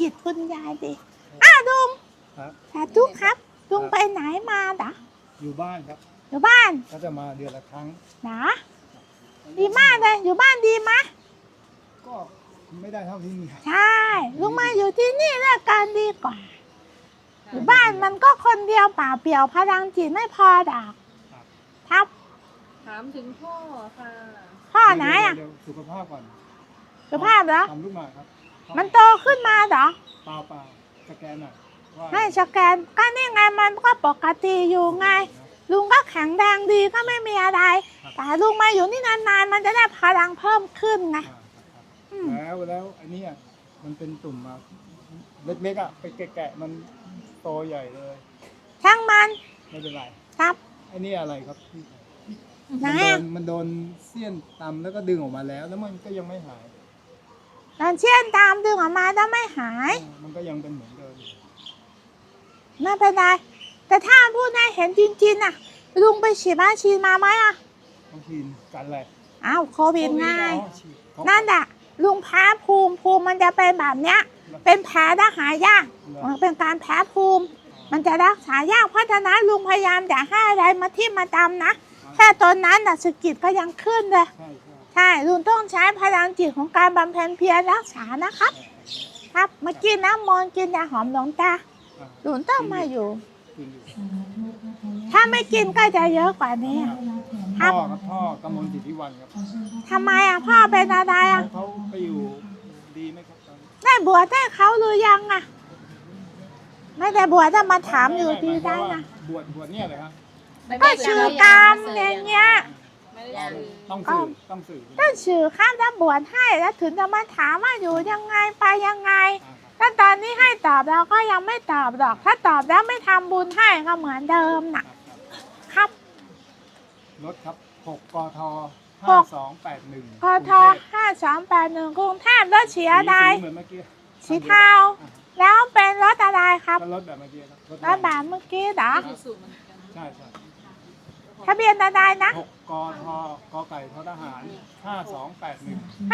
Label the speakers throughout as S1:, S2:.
S1: จิตคุณยายดิอ้าวลุง
S2: ครับ
S1: สาธุครับลุงไปไหนมาดะ
S2: อยู่บ้านครับ
S1: อยู่บ้าน
S2: ก็จะมาเดือนละครั้ง
S1: นะดีมากเลยอยู่บ้านดีไหม
S2: ก็ไม่ได้เท่าที่มี
S1: ใช่ลุงมาอยู่ที่นี่แล้วกันดีกว่าอยู่บ้านมันก็คนเดียวเปล่าเปลี่ยวพลังจิตไม่พอดอกครับ
S3: ถามถึงพ่อค่ะ
S1: พ่อไหนอ่ะ
S2: เดี๋ยวสุขภาพก่อน
S1: สุภาพเหรอ
S2: ทำลูกหมากครับ
S1: มันโตขึ้นมาเหรอ
S2: เปล่าสแกนหน่อยว่า
S1: ให้สแกนก็นี่ไงมันก็ปกติอยู่ไง ลุงก็แข็งแรงดีก็ไม่มีอะไร แต่ลุงมาอยู่นี่นานๆมันจะได้พลังเพิ่มขึ้นไง
S2: แล้วอันนี้มันเป็นตุ่มมาเล็กๆไปแกะมันโตใหญ่เลย
S1: ช่างมัน
S2: ไม่เป็นไร
S1: ครับ
S2: อันนี้อะไรครับพี่
S1: ไหน
S2: มันโดนเสี้ยนตำแล้วก็ดึงออกมาแล้วมันก็ยังไม่หาย
S1: ตอนเชี่ยนตามดึงออกมาแล้วไม่หาย
S2: มันก็ยังเป็นเหมือนเดิม
S1: ไม่เป็นไรแต่ถ้าพูดให้เห็นจริงๆน่ะลุงไปฉีดวัคซีนมาไหมอ่ะ
S2: ต้องกินกันอะไร
S1: อ้าวโควิดไง
S2: อ๋อฉีดเขา
S1: นั่นแหละลุงแพ้ภูมิมันจะเป็นแบบเนี้ยเป็นแผลและหายากมันเป็นการแพ้ภูมิ มันจะรักษายากเพราะฉะนั้นลุงพยายามอย่าให้อะไรมาทิ่มมาตำนะแค่ตอนนั้นน่ะสะกิดก็ยังขึ้นเลย
S2: ใช่
S1: ใช่ลุงต้องใช้พลังจิตของการบำเพ็ญเพียรรักษานะครับ ครับมากินน้ำมนต์กินยาหอมหลวงตาลุงต้องมาอยู่
S2: กินอยู่
S1: ถ้าไม่กินก็จะเยอะกว่านี้ค
S2: พ่
S1: รั
S2: อบ ครับพ่อกำมลสิทธิวันครับ
S1: ทำไมอ่ะพ่อเป็นอะไรอ่ะ
S2: เขาไปอยู่ดีไหมครับตอนนี้
S1: ได้บวชได้เขาหรือยังอ่ะไม่ได้บวชจะมาถามอยู่ดีได้นะ
S2: บวชเนี่ยเลยครับ
S1: ก็ชื่อกรรมอย่างเงี้ย
S3: ไม่ได้สื่อ
S2: ต้องสื่อต้องสื่อ
S1: ก็ชื่อข้ามจะบวชให้แล้วถึงจะมาถามว่าอยู่ยังไงไปยังไงถ้าตอนนี้ให้ตอบเราก็ยังไม่ตอบหรอกถ้าตอบแล้วไม่ทำบุญให้ก็เหมือนเดิมน่ะครับ
S2: รถครับ6กท
S1: หก
S2: 5281
S1: กท5281กรุงเทพรถเสียใด
S2: เหมือนเมื่อกี้
S1: สีเทาแล้วเป็นรถอะไรครับ
S2: ก็รถแบบเมื่อกี้ครับ
S1: รถแบบเมื่อกี้เหรอ
S3: ที่สุดมันกัน
S2: ใช่
S1: ทะเบียนอะไรนะ
S2: 6กทกไก่ททหาร5281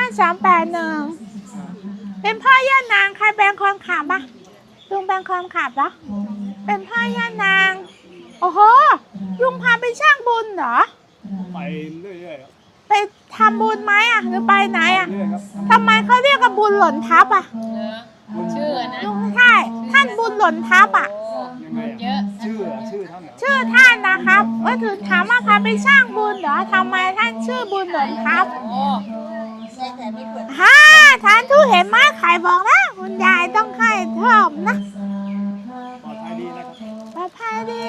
S1: 5281เป็นพ่อย่านางใครเป็นคนขับอ่ะลุงเป็นคนขับเหรอเป็นพ่อย่านางโอ้โหลุงพาไปช่างบุญเหรอ
S2: ไปเรื่อยๆครับ
S1: ไปทำบุญไหมอ่ะหรือไปไหนอ่ะ
S2: เรื่อยๆครับ
S1: ทำไมเขาเรียกว่าบุญหล่นทับอ่ะ
S3: เนอะชื่อนะ
S1: ลุงใช่ท่านบุญหล่นทับอ่ะ
S3: โอ้
S2: ยังไง
S3: เยอะ
S2: ชื่อท่านเหรอ
S1: ชื่อท่านนะครับว่าถึงถามว่าพาไปสร้างบุญเหรอทำไมท่านชื่อบุญหล่นทับ
S3: โอ้
S1: ฮ่าท่านทุเห็นไหมใครบอกนะคุณยายต้องให้เพิ่มนะ
S2: ปลอดภัยดีนะครับ
S1: ปลอดภัยดี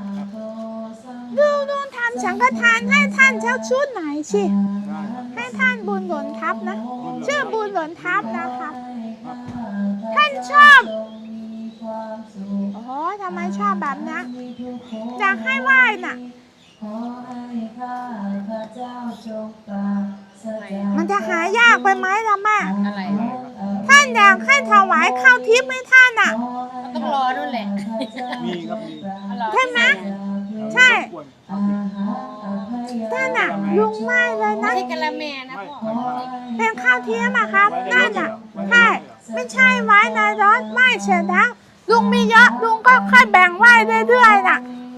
S1: ดูทำสังฆทานให้ท่านเจ้าชุดไหนสิ
S2: ได้ครับ
S1: ให้ท่านบุญหล่นทับนะ ชื่อบุญหล่นทับนะครับ ท่านชอบโอ้โหทำไมชอบแบบนี้อยากให้ไหว้น่ะ มันจะหายากไปไหมล่ะแม่
S3: อะไร
S1: ท่านอยากให้ถวายข้าวทิพย์ให้ท่านอ่ะ
S3: ต้องรอนู่นแหละ
S2: มีครับมี
S1: ใช่ไหม ใช่
S2: ควร
S1: ท่านอ่ะลุงไม่เลย
S3: ไม่
S1: นะ
S3: ใช่กะละแมนะพ่อ
S1: เป็นข้าวเทียมอะครับนั่นอ่ะใช่ไม่ใช่ไว้ในรถไม่เสร็จแล้วลุงมีเยอะลุงก็ค่อยแบ่งไว้เรื่อยๆน่ะ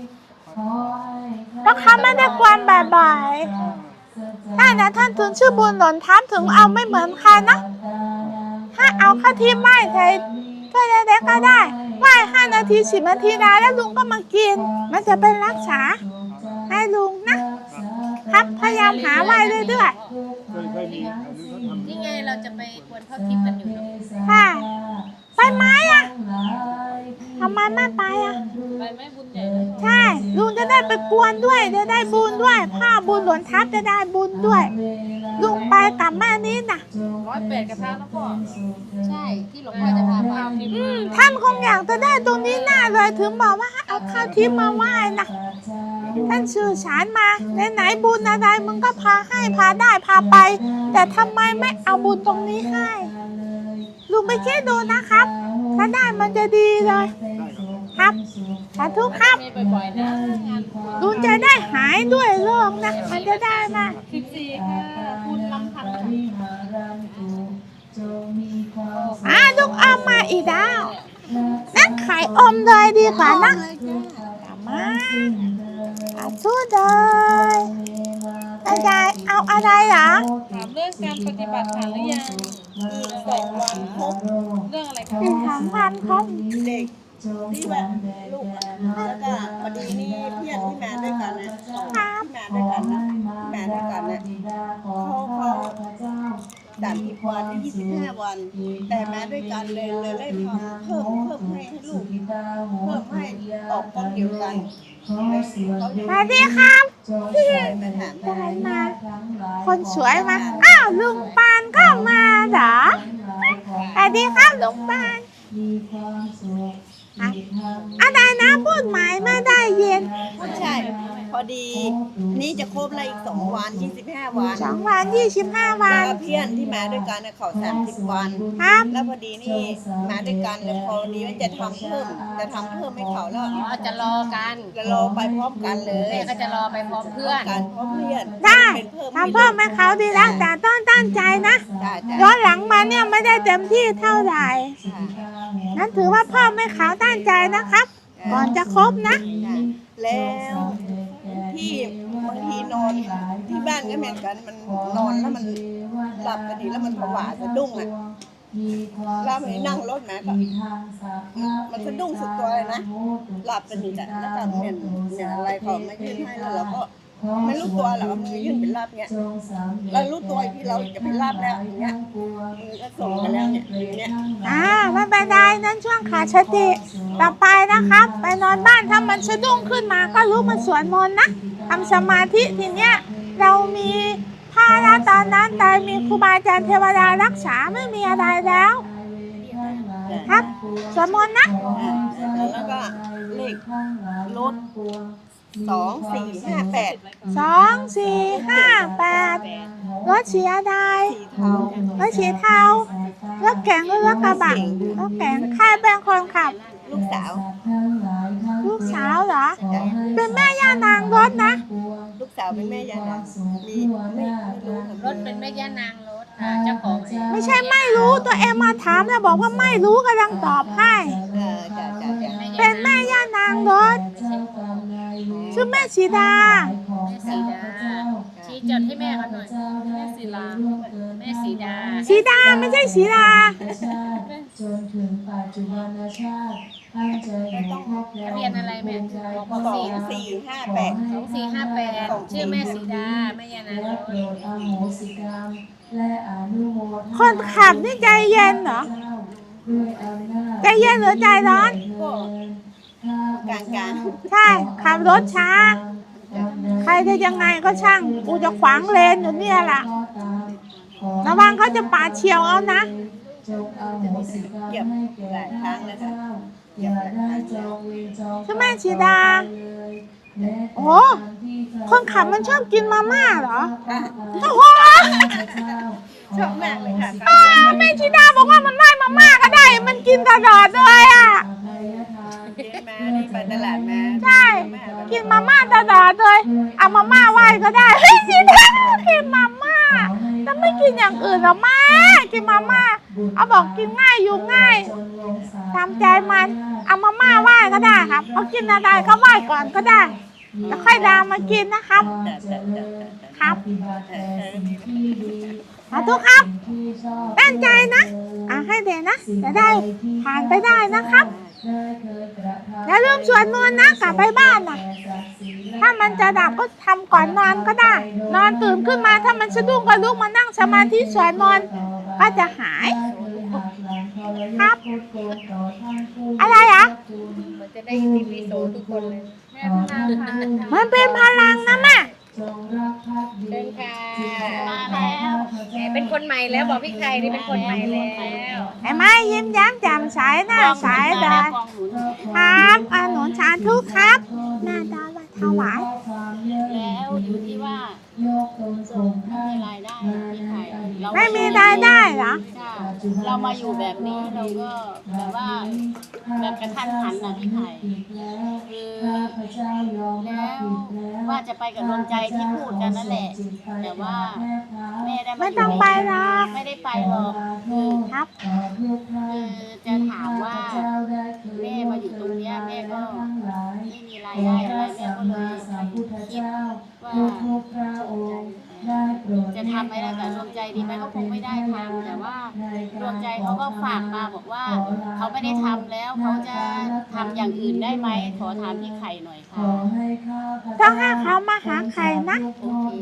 S1: เพราะเขาไม่ได้กวนบ่อยๆท่านนะท่านถึงชื่อบุญหล่นทับถึงเอาไม่เหมือนใครนะถ้าเอาข้าวเทียมไหว้ใส่ถ้วยเล็กๆก็ได้ไหว้5 นาที10 นาทีได้แล้วลุงก็มากิน มันจะเป็นรักษาให้ลุงนะครับพยายามหาไว้เรื่อยๆ
S2: เคยมีแถวนี้เขาทำ
S3: นี่ไงเราจะไปกวนข้าวทิพย์กันอยู่เนอะ
S1: ค่ะไปไหมอ่ะทำไมไม่ไปอ่ะ
S3: ไปไหมบุญใหญ่เลย
S1: ใช่ลุงจะได้ไปกวนด้วยจะได้บุญด้วยผ้าบุญหลวนทับจะได้บุญด้วยลุงไปกับแม่นี้น่ะ
S3: 108กระทะนะพ่อใช่ที่หลวงพ่อจะพาไป
S1: ท่านคงอยากจะได้ตรงนี้หน้าเลยถึงบอกว่าเอาข้าวทิพย์มาไหว้นะท่านสื่อสารมาไหนๆบุญอะไรมึงก็พาให้พาได้พาไป แต่ทำไมไม่เอาบุญตรงนี้ให้ลุงไปคิดดูนะครับถ้าได้มันจะดีเลยครับสาธุครับ
S3: มีบ่อยๆนะงาน
S1: ลุงจะได้หายด้วยโรคนะมันจะได้มา
S3: 14ค่ะคุณลำพันธ์ค่ะ
S1: ลูกเอามาอีกได้ไข่อมเลยดีกว่านะ
S3: เลยจ้า
S1: มาเอาทุเลยยายเอาอะไรเหรอ
S3: ถามเรื่องการปฏิบัติฐานหรือยังอีก2 วันครบเรื่องอะไรคะ
S1: อีก2 วันครบ
S4: เด็กที่แบบลูกอะแล้วก็พอดีนี่เพื่อนที่มาด้วยกันนะที่มาด้วยกันนะเขาด่าน10 วันที่25 วัน แต่มาด้วยกันเลยได้ทำเพิ่มให้ลูกเพิ่มให้ออกกองเดียวกันเขา
S1: สวัสดีครับ
S4: มาถาม
S1: ได้มา คนสวยมา อ้าวลุงปานก็มาเหรอสวัสดีครับลุงปานครับอะไรนะพูดหมายไม่ได้ยิน
S4: ใช่พอดีนี่จะครบแล้วอีก2 วัน25 วัน
S1: 2 วัน25 วั
S4: แล้ว
S1: น
S4: ก็เพื่อนที่มาด้วยกันน่ะเขา30 วัน
S1: ครับ
S4: แล้วพอดีนี่มาด้วยกันแล้วพอดีว่าจะทำเพิ่มให้เขาแล้ว
S3: อ๋อจะรอกัน
S4: จะรอไปพร้อมกันเลย
S3: แม่ก็จะรอไปพร้อมเพื่อน
S4: กันพร้อมเพื่อน
S1: ได้
S4: เป็นเพิ่ม
S1: ทำเพิ่มให้เขาดีแล้วแต่ต้องตั้งใจนะ
S4: ได้จ้ะ
S1: ย้อนหลังมาเนี่ยไม่ได้เต็มที่เท่าไหร่นั้นถือว่าเพิ่มให้เขาตั้งใจนะครับ ก่อนจะครบนะ
S4: แล้วที่บางทีนอนที่บ้านก็เหมือนกันมันนอนแล้วมันหลับพอดีแล้วมันผวาสะดุ้งอ่ะแล้วมันนั่งรถมาก็มันสะดุ้งสุดตัวเลยนะหลับสนิทอ่ะแล้วก็เนี่ยอะไรเขามายื่นให้แล้วเราก็ไม่รู้ตัวหรอกมันยื่นเป็นลาบเนี่ยเรารู้ตัวอีกที่เราจะเป็นลาบแล้วอย่างเงี้ยมือก็ส่งไปแล้วเนี่ยอย่างเงี้ย
S1: ไม่เป็นไรนั้นช่วงขาดสติต่อไปนะครับ ไปนอนบ้านถ้ามันสะดุ้งขึ้นมาก็รู้มันสวดมนต์นะทำสมาธิทีเนี้ยเรามีพระแล้วตอนนั้นแต่มีครูบาอาจารย์เทวดารักษาไม่มีอะไรแล้ว ครับสวดมนต์นะ
S4: แล้วก็เลขรถ2458
S1: 2 4 5 8รถสีอะไร
S4: เทาร
S1: ถสีเทารถแข็งหรือรถกระบะรถแข็งใครเป็นคนขับ
S4: ลูกสาว
S1: ลูกสาวเหรอ เป็นแม่ย่านางรถนะ
S4: ลูกสาวเป็นแม่ยายนะมีไม่รู้
S3: รถเป็นแม่ย่านางรถค่ะเจ้าของเอง
S1: ไม่ใช่ไม่รู้ตัวเองมาถามแล้วบอกว่าไม่รู้กำลังตอบให้
S4: จ้ะ
S1: เป็นแม่ย่านางรถชื่อแม่สีดา
S3: แม่สีดาชี้จดให้แม่เขาหน่อยแม่สีลาแม่สีดา
S1: สีดาไม่ใช่สีดา
S3: ทะเบียนอะไรแม่บอก
S4: 2458
S3: 2458ชื่อแม่สีดาแม่ย่านางรถ
S1: คนขับนี่ใจเย็นเหรอใจเย็นหรือใจร้อน
S4: ก็กลาง
S1: ใช่ขับรถช้า ใครจะยังไงก็ช่างกูจะขวางเลนอยู่เนี่ยแหละระวังเขาจะปาดเฉียวเอานะ
S4: ๆเก็บหลายครั้งแล้วค่ะเก็บหลายครั้งแล้ว
S1: ชื่อแม่ชีดา โอ้คนขับมันชอบกินมาม่าเหรอ โอ้โห
S4: ชอบมากเลยค่ะ
S1: แม่ชีดาบอกว่ามันไม่มาม่าก็ได้ มันกินตลอดเลยอ่ะ
S4: เจ๊มานี่ไปตลาดมา
S1: ใช่ กินมาม่าตลอดเลย เอามาม่าไหว้ก็ได้ เฮ้ยชีดากินมาม่าแต่ไม่กินอย่างอื่นหรอแม่กินมาม่า เอาบอกกินง่ายอยู่ง่ายตามใจมัน เอามาม่าไหว้ก็ได้ครับเอากินอะไรก็ไหว้ก่อนก็ได้ แล้วค่อยดามมากินนะครับ ครับสาธุครับตั้งใจนะให้เด็กนะจะได้ผ่านไปได้นะครับอย่าลืมสวดมนต์นะกลับไปบ้านนะถ้ามันจะดับก็ทำก่อนนอนก็ได้ นอนตื่นขึ้นมาถ้ามันสะดุ้งก็ลุกมานั่งสมาธิสวดมนต์ก็จะหายครับ อะไรอ่ะ
S3: มันจะได้มีปีโสทุกคนเลยแม่พนาค่ะ
S1: มันเป็นพลังนะแม่
S3: เชิญค่ะมาแล้วแหมเป็นคนใหม่แล้วบอกพี่ไข่นี่เป็นคนใหม่แล้ว
S1: ไอ้ไม้ยิ้มแย้มแจ่มใสหน้าใสเลยครับหนุนสาธุครับหน้าดาวว่าถวาย
S5: แล้วอยู่ที่ว่าไม่มีรายได้พี่ไข่เรา
S1: ไม่มีรายได้เหรอ
S5: จ้ะเรามาอยู่แบบนี้เราก็แบบว่าแบบกระทันหันนะพี่ไข่คือแล้วว่าจะไปกับดวงใจที่พูดกันนั่นแหละ แต่ว่าแม่ได้า
S1: ไม่ต้องไปหรอก
S5: ไม่ได้ไปหรอกคือ
S1: ครับ
S5: คือจะถามว่าแม่มาอยู่บอกว่าเขาไม่ได้ทำแล้วเขาจะทำอย่างอื่นได้ไหมขอถามพี่ไข่หน่อยค่ะ
S1: ต้องให้เขามาหาใครนะ
S5: โอเค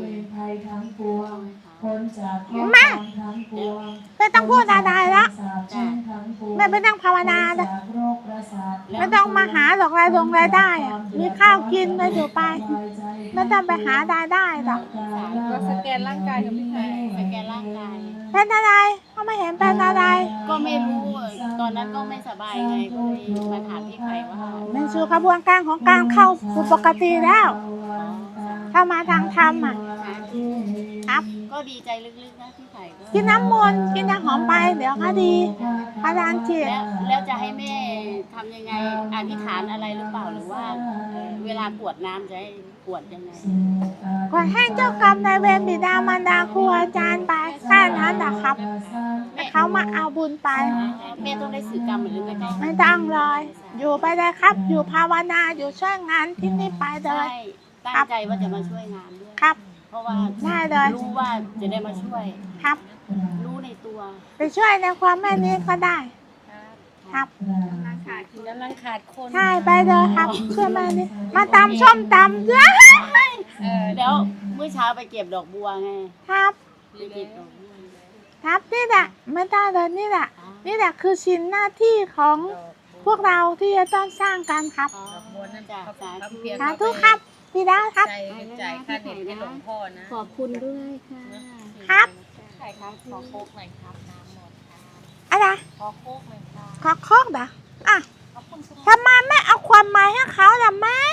S1: แม่ไม่ต้องพูดอะไรแล้ว
S5: จ้ะ
S1: แม่ไม่ต้องภาวนาเลยไม่ต้องมาหาหรอกรายได้อะมีข้าวกินก็อยู่ไปไม่ต้องไปหารายได้หรอก
S3: ก็สแกนร่างกายกับพี่ไข่
S5: สแกนร่างกาย
S1: เป็นอะไรเขาไม่เห็นเป็นอะไร
S5: ก็ไม่รู้ตอนนั้นก็ไม่สบายไงก็เลยมาถามพี่ไข่ว่า
S1: มันสู่กระบวนการของการเข้าสู่ปกติแล้วเข้ามาทางธรรมอ่ะครับ
S5: ก็ดีใจลึกๆนะพี่ไข่ก็
S1: กินน้ำมนต์กินน้ำหอมไปเดี๋ยวก็ดีพลังจิต
S5: แล้วจะให้แม่ทำยังไงอธิษฐานอะไรหรือเปล่าหรือว่าเวลากรวดน้ำจะให้กรวดยังไง
S1: ขอให้เจ้ากรรมนายเวรบิดามารดาครูอาจารย์ไปแค่นั้นนะครับให้เขามาเอาบุญไป
S5: แม่ต้องได้สื่อกรรมหรือไม่ได้
S1: ไม่ต้องเลยอยู่ไปเลยครับ อยู่ภาวนาอยู่ช่วยงานที่นี่ไปเล
S5: ใช่
S1: ย
S5: ตั้งใจว่าจะมาช่วยงานด้วย
S1: ครับ
S5: เพราะว่า
S1: ได้เลย
S5: รู้ว่าจะได้มาช่วย
S1: ครับ
S5: รู้ในตัว
S1: ไปช่วยในความแม่นี้ก็ได้ ครับ
S3: กำลังขาดคน
S1: ใช่ไปเลยครับช่วยแม่นี้มาตำส้มตำด้วย
S5: แล้วเมื่อเช้าไปเก็บดอกบัวไง
S1: ครับ
S5: ไปเก็บดอกบัว
S1: ครับนี่แหละไม่ต้องเลยนี่แหละนี่แหละคือชิ้นหน้าที่ของพวกเราที่จะต้องสร้างกันครับ
S5: อ๋อ
S3: บัวนั่น
S5: จ้ะ
S3: เขา
S5: สา
S3: เขา
S5: ธุ
S3: เพียง
S1: สาธุครับพี่ดาวครับ
S3: จ่ายค่าเน็ตให้หลวงพ่อนะ
S5: ขอบคุณด้วยค่ะ
S1: ครับ
S3: ไข่ครับขอโคกหน่อยครับน้ำหมดครับ
S1: อะไร
S3: ขอโคกหน่อยครับ
S1: ขอโค้งเหรออ่ะทำไมไม่เอาความหมายให้เขาล่ะแม่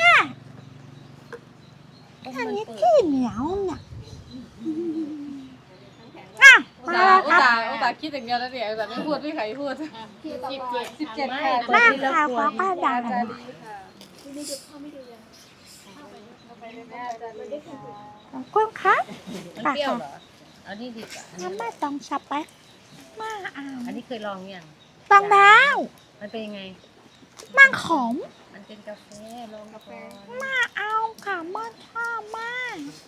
S1: อันนี้ขี้เหนียวเนี่ยอ่ะมาแล้วครับ
S3: อุตส่าห์คิดอย่างเดียวแล้วเนี่ยแต่ไม่พูดไม่ใครพูด 17 ค่ะ
S1: แม่ข่าวขอกระดาษ ขอบคุณครับ
S3: มันเปรี้ยวเหรอ เอานี่ดีกว่า
S1: น้ำไม่ต้องสับไปมาเอา
S3: อันนี้เคยลองยัง
S1: ต้องแล้ว
S3: มันเป็นยังไง
S1: มันขม
S3: มันเป็นกาแฟลองกาแฟ
S1: มาเอาค่ะมันชอบมาก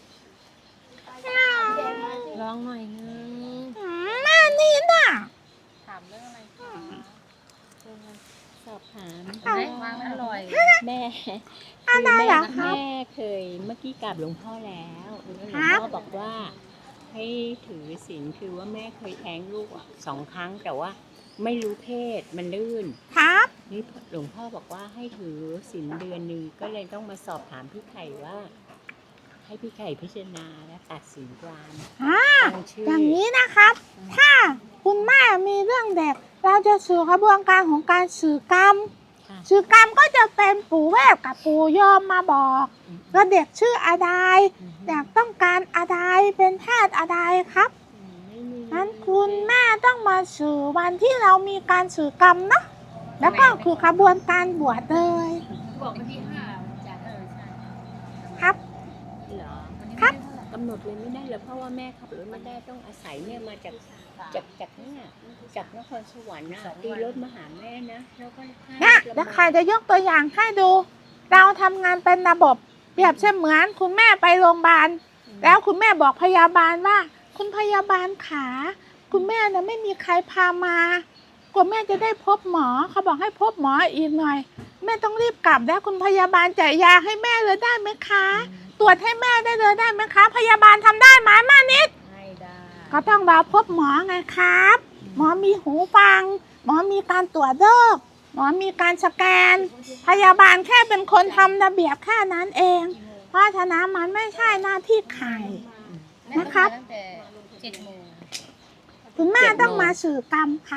S3: ลองหน่อยนึง
S1: แม่นี่น่ะ
S3: ถามเรื่องอะไรคะ
S6: สอบถาม
S3: เห็นไหมวางอร่อย
S6: แม่
S1: อะไรเหรอครับ
S6: แม่เคยเมื่อกี้กราบหลวงพ่อแล้วแล้วหลวง
S1: ครับ
S6: พ่อบอกว่า ให้ถือศีลคือว่าแม่เคยแท้งลูก2 ครั้ง แต่ว่าไม่รู้เพศมันลื่น
S1: ครับ
S6: นี่หลวงพ่อบอกว่าให้ถือศีลเดือนหนึ่งก็เลยต้องมาสอบถามพี่ไข่ว่า ให้พี่ไข่พิจารณาและตัดสินความ
S1: อ่า
S6: ตั้งชื่อ
S1: อ
S6: อย่าง
S1: นี้นะครับ ถ้าคุณแม่มีเรื่องเด็ก เราจะสื่อกระบวนการของการสื่อกรรม
S6: ค่ะ
S1: สื่อกรรมก็จะเป็นปู่เวฟกับปู่ยอมมาบอกว่าเด็กชื่ออะไรเด็กต้องการอะไรเป็นแพทย์อะไรครับ
S6: ไม่มี
S1: นั้นคุณแม่ต้องมาสื่อวันที่เรามีการสื่อกรรมนะแล้วก็คือกระบวนการบวชเลย
S3: บอกวันที่5จ้ะใช่
S1: ครับ
S6: เหรอ
S1: ครับ
S6: กำหนดเลยไม่ได้เลยเพราะว่าแม่ขับรถไม่ได้ต้องอาศัยเนี่ยมาจากเนี่ยจากนครสวรรค์นะตีรถมาหาแม่นะแล้วก็ให้
S1: เนี่ยเดี๋ยวใครจะยกตัวอย่างให้ดู เราทำงานเป็นระบบเปรียบเสมือนคุณแม่ไปโรงพยาบาลแล้วคุณแม่บอกพยาบาลว่า คุณพยาบาลขาคุณแม่น่ะไม่มีใครพามากว่าแม่จะได้พบหมอเขาบอกให้พบหมออีกหน่อย แม่ต้องรีบกลับแล้วคุณพยาบาลจ่ายยาให้แม่เลยได้ไหมคะ ตรวจให้แม่ได้เลยได้ไหมคะ พยาบาลทำได้ไหมแม่นิด
S3: ให้ได้
S1: ก็ต้องรอพบหมอไงครับ หมอมีหูฟัง หมอมีการตรวจโรคหมอมีการสแกน พยาบาลแค่เป็นคนทำระเบียบแค่นั้นเอง เพราะฉะนั้นมันไม่ใช่หน้าที่ใคร นะครับ
S3: ตั้งแต่7 โมง
S1: คุณแม่ต้องมาสื่อกรรมครับ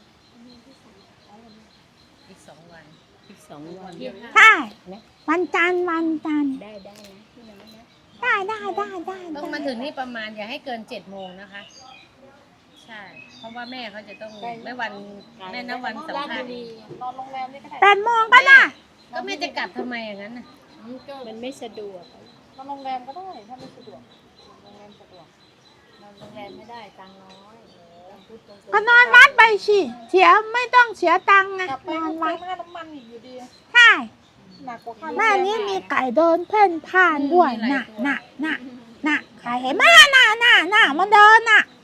S3: อีก 2 วัน
S6: อีก2 วัน
S1: ใช่วันจันทร์วันจันทร์
S6: ได้นะพี่น้องนะ
S1: ได้
S3: ต้องมาถึงนี่ประมาณอย่าให้เกิน7 โมงนะคะ ใช่ เพราะว่าแม่เขาจะต้องแม่วันแม่นับวันสำคัญ
S1: 8 โมงก็ได้
S3: ก็แม่จะกลับทำไมอย่างนั้นน่ะ
S6: มันไม่สะดวก
S3: โรงแรมก็ได้ถ้าไม่สะดวกโรงแรมสะดวกโรงแรมไม่ได้ตังค์น้อย
S1: ก็นอนวัดไปสิเสียไม่ต้องเสียตังค์ไงนอนวัด
S3: ค่าน้ำมันอีกอยู่ดี
S1: ใช่
S3: หนักกว่าค่า
S1: แม่นี้มีไก่เดินเพ่นพ่านด้วยน่ะใครเห็นไหมน่ะมันเดินน่ะ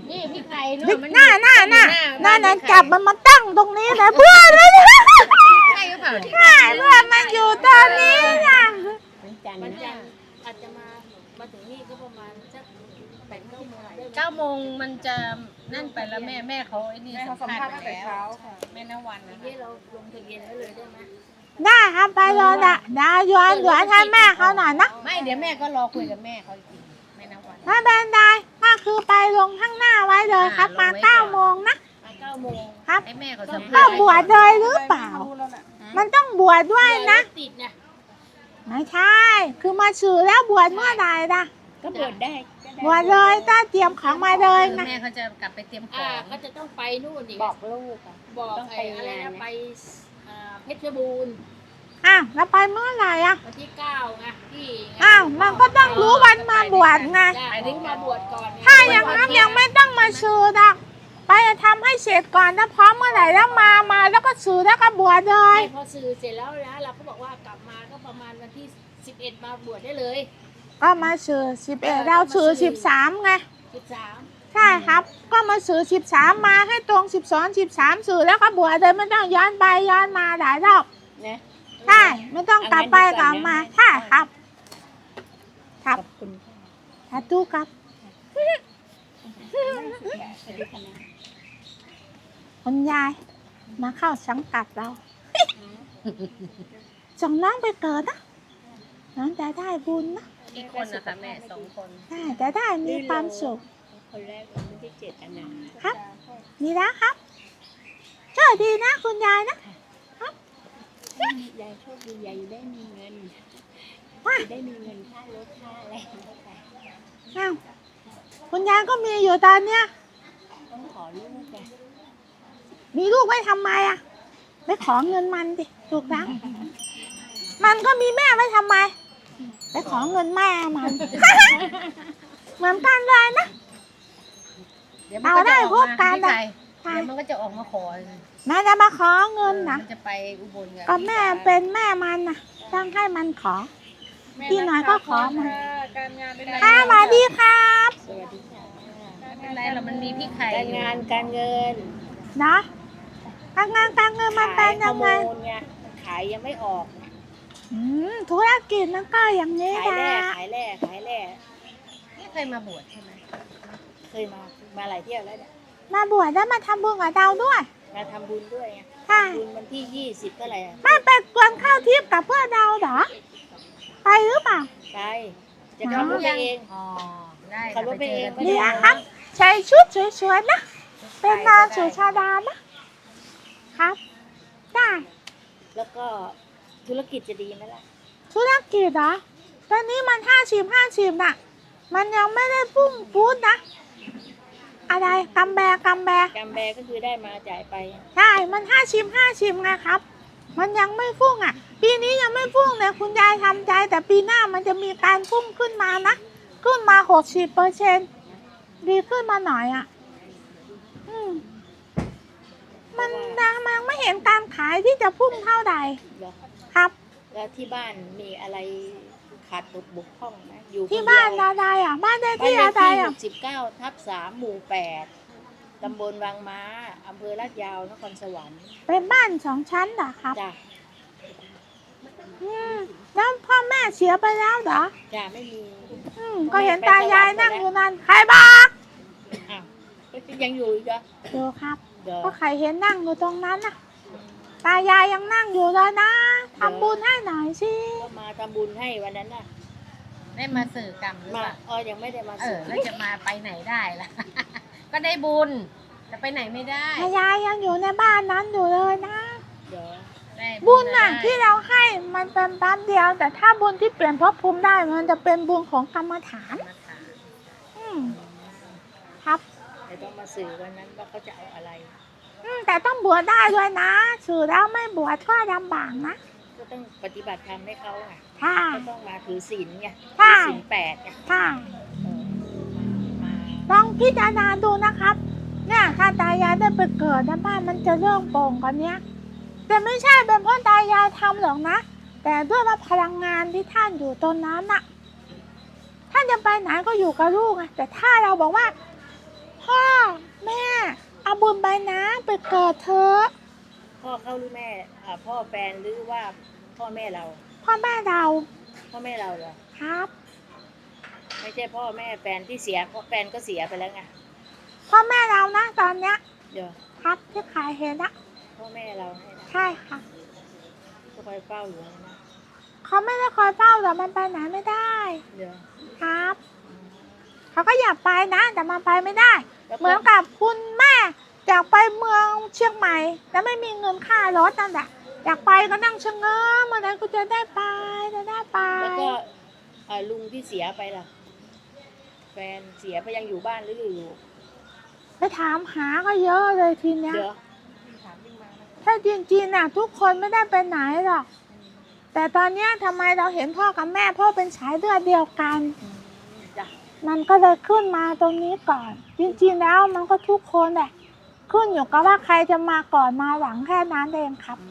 S3: นี่พี่ไข่
S1: บิ๊
S3: เนาะ
S1: ก
S3: มัน
S1: หน้า
S3: บ้
S1: จับมันมาตั้งตรงนี้นะเพื่อนเลย
S3: ใช่หรือเปล่าเนี่ย
S1: ใช่เพื่อนมันอยู่ตอนนี้นะ
S6: วันจันทร์
S5: วัน
S6: นะ
S5: จันทร์อาจจะมาถึงนี่ก็ประมาณสัก8-9 โมง
S3: 9 โมงมันจะนั่นไปแล้วแม่เขาไอ้นี่สัมภาษณ์ไปแล้วแม่นวันนะ
S5: นี่เราลงทะเบียนไว้เลยได้ไหม
S1: ได้ครับไปเลยนะดาวย้อนให้แม่เขาหน่อยนะ
S3: ไม่เดี๋ยวแม่ก็รอคุยกับแม่เขาอีกทีแม่นวัน
S1: ไม่เป็นไรก็คือไปลงข้างหน้าไว้เลยครับมา9 โมงนะ
S5: 9 โมง
S1: ครับ
S3: ให้แม่เขาสัม
S1: ก็
S3: ภาษณ์
S1: บวชเลยหรือเปล่า มันต้องบวชด้วยนะ
S5: ติดนะ
S1: ไม่ใช่ คือมาสื่อแล้วบวชเมื่อไหร่ล่ะ
S6: ก็บวชได้ก็ได้
S1: บวชเลยถ้าเตรียมของมาเลยนะ
S3: แม่เขาจะกลับไปเตรียมของ
S5: ก็จะต้องไปนู่นอีก
S6: บอกลูกอะ
S5: บอก
S6: ต้อง
S5: ไอ้
S6: ไป
S5: อะไร
S6: งาน
S5: นะ
S6: นะ
S5: ไปเพชรบูรณ์
S1: อ้าวแล้วไปเมื่อไหร่อ่ะ
S5: วันที่9ไงที่
S1: อ้าวมันก็ต้องรู้วันมาบวชไง
S5: ไปถึงมาบวชก่อน
S1: ถ้าอย่างนั้นยังไม่ต้องมาสื่อหรอกไปทำให้เสร็จก่อนถ้าพร้อมเมื่อไหร่แล้วมาแล้วก็สื่อแล้วก็บวชเลย
S5: พอสื่อเสร็จแล้วนะเราก็บอกว่ากลับมาก็ประมาณวันที่11มาบวชได้เลย
S1: ก็มาสื่อ11เราสื่อ13ไง
S5: 13
S1: ใช่ครับ ก็มาสื่อ13มาให้ตรง12 13สื่อแล้วก็บวชเลยไม่ต้องย้อนไปย้อนมาหลายรอบ
S6: นะ
S1: ใช่ไม่ต้องกลับไปกลับมาใช่ครับ ค
S6: ข
S1: รับ
S6: อบคุณค่ะ
S1: สาธุครับ
S6: สวัสดีค่ะนะ
S1: คุณยายมาเข้าสังกัดเรา ส่งน้องไปเกิดนะน้องจะได้บุญนะ
S3: กี่คนนะคะแม่2 คน
S1: ใช่จะได้มีความสุข
S6: คนแรกเราไม่ได้เจตนา
S1: ครับมีแล้วครับโชคดีนะคุณยายนะ
S6: ยายโชคดียายได้มีเงิน
S1: ว่า
S6: ได้มีเงินค่ารถค่าอะไรไม่ไป
S1: อ้าวคุณยายก็มีอยู่ตอนเนี้ย
S6: ต้องขอลูกไง
S1: มีลูกไว้ทำไมอ่ะไปขอเงินมันดิถูกแล้วมันก็มีแม่ไว้ทำไมไปขอเงินแม่มัน เหมือนกันเลยนะ
S3: เดี๋ยวมันก็จะออกมาพี่ไข่เดี๋ยวมันก็จะออกมาขอ
S1: แม่จะมาขอเงินนะ
S3: มันจะไปอุบล
S1: ก็แม่เป็นแม่มันนะต้องให้มันขอพี่น้อยก็ขอมา
S4: การงานเป็น
S1: ค่ะสวัสดีครับ
S6: สวัสดีค่ะ
S3: ไม่เป็นไรหรอกมันมีพี่ไข่
S6: การงานการเงิน
S1: เนาะการงานการเงินมันเป็นยังไง
S6: ขายฮอร์โมนไงมันขายยังไม่ออก
S1: ธุรกิจมันก็อย่างนี้
S6: ขาย
S1: นะ
S6: แร่ขายแร่ขายแร่
S3: ไม่เคยมาบวชใช่ไหม
S6: เคยมาหลายเที่ยวแล้วเนี่ย
S1: มาบวชแล้วมาทำบุญกับเราด้วย
S6: มาทำบุญด้วยไง
S1: ใช่
S6: บุญวันที่20เท่าไหร่อะ
S1: ไม่ไปกวนข้าวทิพย์กับเพื่อนเราเหรอไปหรือเปล่า
S6: ไปจะขับรถไปเอง
S3: อ๋อได้
S6: ขับรถไปเอง
S1: นี่นะครับใช้ชุดสวยๆนะเป็นนางสุชาดานะครับได้
S6: แล้วก็ธุรกิจจะดีไหมล่ะ
S1: ธุรกิจเหรอตอนนี้มัน50-50น่ะมันยังไม่ได้พุ่งพูดนะอะไรกำแบ
S6: กำแบก็คือได้มาจ่ายไป
S1: ใช่ มัน50-50ไงครับ มันยังไม่พุ่งอ่ะ ปีนี้ยังไม่พุ่งเลยคุณยายทำใจ แต่ปีหน้ามันจะมีการพุ่งขึ้นมานะ ขึ้นมา60%ดีขึ้นมาหน่อยอ่ะ มันยังไม่เห็นการขายที่จะพุ่งเท่าใด
S6: เหรอ
S1: ครับ
S6: แล้วที่บ้านมีอะไรขาดตกบกพร่องไหมอยู่
S1: ที่บ้าน
S6: คเดียว
S1: อะไรอ่ะ บ้านได้
S6: บ้าน
S1: ที่
S6: เลข
S1: อะไร
S6: ที่
S1: อ่ะ
S6: 69/3 หมู่ 8 ตำบลวังม้า อำเภอลาดยาว นครสวรรค์
S1: เป็นบ้าน2 ชั้นเหรอครับ
S6: จ้ะ
S1: แล้วพ่อแม่เสียไปแล้วเหรอ
S6: จ้ะไม่มี
S1: ก็เห็นตายายนั่งอยู่นั่นใครบอก
S6: อ้าวยังอยู่อีกเหรอ
S1: ดูครับ
S6: เดี๋ยว
S1: ก็ใครเห็นนั่งอยู่ตรงนั้นน่ะ ตายายยังนั่งอยู่เลยนะทำบุญให้หน่อยสิ
S6: ก็มาทำบุญให้วันนั้นน่ะ
S3: ได้มาสื่อกรรมหรือ
S6: มา
S3: เปล่า
S6: ยังไม่ได้มา
S3: เอ
S6: สื่
S3: อแล้วจะมาไปไหนได้ล่ะ ก็ได้บุญแต่ไปไหนไม่ได้
S1: ตายายยังอยู่ในบ้านนั้นอยู่เลยนะ
S6: เดี๋ยว
S3: ได้
S1: บุญน่ะ
S3: ได้
S1: ที่เราให้มันเป็นแป๊บเดียว แต่ถ้าบุญที่เปลี่ยนภพภูมิได้มันจะเป็นบุญของกรรมฐาน
S3: มาถาม
S1: อืมครับ
S6: เดี๋ยวต้องมาสื่อวันนั้นว่าเขาจะเอาอะไร
S1: แต่ต้องบวชได้ด้วยนะสื่อแล้วไม่บวชก็ลำบากนะ
S6: ก็ต้องปฏิบัติธรรมให้เขาไง
S1: ค่ะ
S6: ก็ต้องมาถือศีลไง
S1: ใช่
S6: ถือศีล8ไง
S1: ค่ะ
S6: มา
S1: ลองพิจารณาดูนะครับ เนี่ยถ้าตายายได้ไปเกิดนะบ้านมันจะเรื่องโปร่งกว่านี้แต่ไม่ใช่เป็นเพราะตายายทำหรอกนะ แต่ด้วยว่าพลังงานที่ท่านอยู่ตรงนั้นน่ะท่านจะไปไหนก็อยู่กับลูกไงแต่ถ้าเราบอกว่าพ่อแม่เอาบุญไปนะไปเกิดเถอะ
S5: พ่อเขาหรือแม่พ่อแฟนหรือว่าพ่อแม่เรา
S1: พ่อแม่เรา
S5: พ่อแม่เราเหรอ
S1: ครับ
S5: ไม่ใช่พ่อแม่แฟนที่เสียเพราะแฟนก็เสียไปแล้วไง
S1: พ่อแม่เรานะตอนเนี้ย
S5: เดี๋ยว
S1: ครับที่ขายเห็นนะ
S5: พ่อแม่เราให้นะ
S1: ใช่ค่ะ
S5: ก็คอยเฝ้าอยู่นะ
S1: เขาไม่ได้คอยเฝ้าแต่มันไปไหนไม่ได้
S5: เดี๋ยว
S1: ครับเขาก็อยากไปนะแต่มันไปไม่ได้
S5: แล้ว
S1: เหมือนกับคุณแม่อยากไปเมืองเชียงใหม่แล้วไม่มีเงินค่ารถนั่นแหละอยากไปก็นั่งชะเง้อเมื่อไหร่กูจะได้ไปจะได้ไป
S5: แล้วก็ลุงที่เสียไปล่ะ แฟนเสียไปยังอยู่บ้านหรืออยู่
S1: ไปถามหาก็เยอะเลยทีเนี้ย
S5: เดี๋ยว
S1: ถ้าจริงๆน่ะทุกคนไม่ได้ไปไหนหรอกแต่ตอนเนี้ยทำไมเราเห็นพ่อกับแม่พ่อเป็นสายเลือดเดียวกัน
S5: จ้ะ
S1: มันก็เลยขึ้นมาตรงนี้ก่อน จริงๆแล้วมันก็ทุกคนแหละขึ้นอยู่กับว่าใครจะมาก่อนมาหลังแค่นั้นเองครับ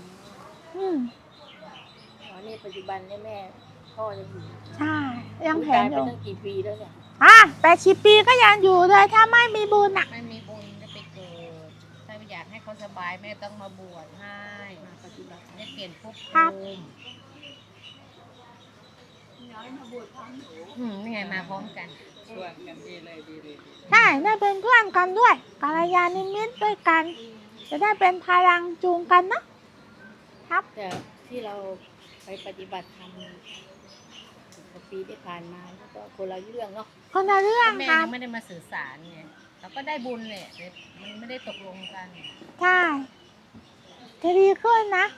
S5: อ๋อนี่ปัจจุบันเนี่ยแม่พ่อยังอยู่
S1: ใช่ยังเห็น
S5: ตาย
S1: อ
S5: ไป
S1: ยู่
S5: ตั้งกี่ปีแล้วเนี่ย
S1: 80 ปีก็ยังอยู่เลยถ้าไม่มีบุญอ่ะ
S3: ไม่มีบุญจะไปเกิดถ้าอยากให้เขาสบายแม่ต้องมาบวชให้
S5: มาปฏิบัติ
S3: ได้เปลี่ยนภพ
S1: ครับ
S3: ภูมินี่ไงมาพร้อมกัน
S2: ชวนกันดีเลยดีเลย
S1: ใช่ได้เป็นเพื่อนกันด้วยกัลยาณมิตรด้วยกัน จะได้เป็นพลังจูงกันนะครับ
S5: แต่ที่เราไปปฏิบัติธรรมปีที่ผ่านมาแล้วก็คนละเรื่องเนาะ
S1: คนละเรื่อง
S3: แม่
S1: ครั
S3: ยั
S1: บ
S3: งไม่ได้มาสื่อสารไงเราก็ได้บุญเลยแต่มันไม่ได้ตกลงกัน
S1: ใช่จะดีขึ้นนะ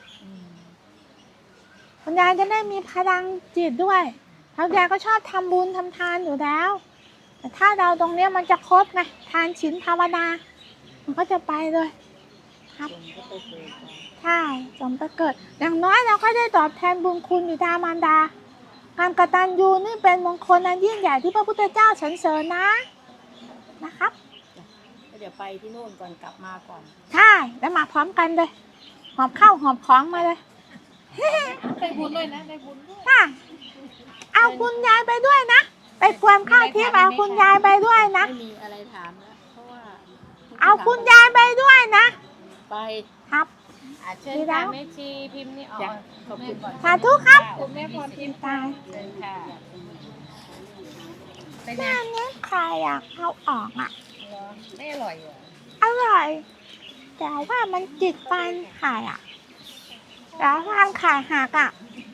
S1: คุณยายจะได้มีพลังจิตด้วยคุณยายก็ชอบทำบุญทำทานอยู่แล้ว แต่ถ้าเราตรงเนี้ยมันจะครบไงทานศีลภาวนามันก็จะไปเลย ครับ
S5: คนก็ไปเกิดกัน
S1: ใช่สมไปเกิด อย่างน้อยเราก็ได้ตอบแทนบุญคุณบิดามารดา การกตัญญูนี่เป็นมงคลอันยิ่งใหญ่ที่พระพุทธเจ้าสรรเสริญนะครับ
S5: ก็เดี๋ยวไปที่นู่นก่อนกลับมาก่อน
S1: ใช่แล้วมาพร้อมกันเลยหอบข้าวหอบของมาเลย
S3: ได้บุญด้วยนะได้บุญด้วย
S1: ค่ะเอาคุณยายไปด้วยนะ ไปกวนข้าวทิพย์เอาคุณยายไปด้วยนะ
S5: ไม่มีอะไรถามแล้วเพราะว่า
S1: เอาคุณยายไปด้วยนะ
S5: ไป
S1: ครับ
S3: เชิญค่ะแม่ชีพิมพ์นี่ออก
S5: จ้ะขอบคุณ
S1: สาธุครับ
S3: คุณแม่พรพิมพ์
S1: ตาย
S3: เชิญค่ะเป็นไง
S1: แม่นี้ใครอยากเอาออกอ่ะ
S3: เหรอไม่อร่อยเหรอ
S1: อร่อย แต่ว่ามันจิกฟันขายอ่ะแล้วฟันขายหักอ่ะ